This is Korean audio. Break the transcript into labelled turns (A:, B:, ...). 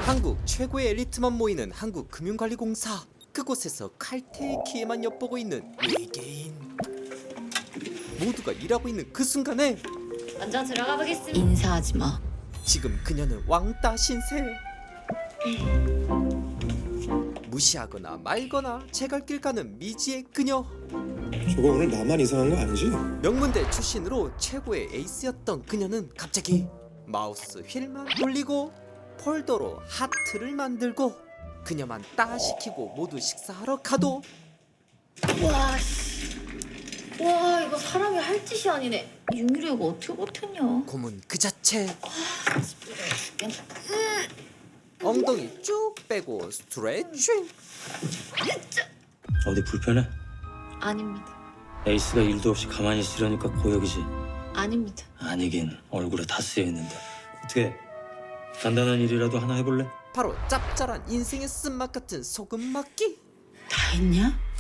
A: 한국 최고의 엘리트만 모이는 한국금융관리공사. 그곳에서 칼퇴의 기회만 엿보고 있는 외계인. 모두가 일하고 있는 그 순간에
B: 먼저 들어가 보겠습니다.
C: 인사하지 마.
A: 지금 그녀는 왕따 신세. 무시하거나 말거나 제갈길 가는 미지의 그녀.
D: 저거 오늘 나만 이상한 거 아니지?
A: 명문대 출신으로 최고의 에이스였던 그녀는 갑자기 마우스 휠만 돌리고 폴더로 하트를 만들고 그녀만 따시키고 모두 식사하러 가도
B: 와, 씨. 와, 이거 사람이 할 짓이 아니네.
C: 윤유리가 어떻게 버텼냐?
A: 고문 그 자체.
B: 죽겠네.
A: 엉덩이 쭉 빼고 스트레칭.
E: 어디 불편해?
C: 아닙니다.
E: 에이스가 일도 없이 가만히 있으려니까 고역이지.
C: 아닙니다.
E: 아니긴 얼굴에 다 쓰여 있는데. 어떻게 간단한 일이라도 하나 해볼래?
A: 바로 짭짤한 인생의 쓴맛 같은 소금 막기.
C: 다 했냐?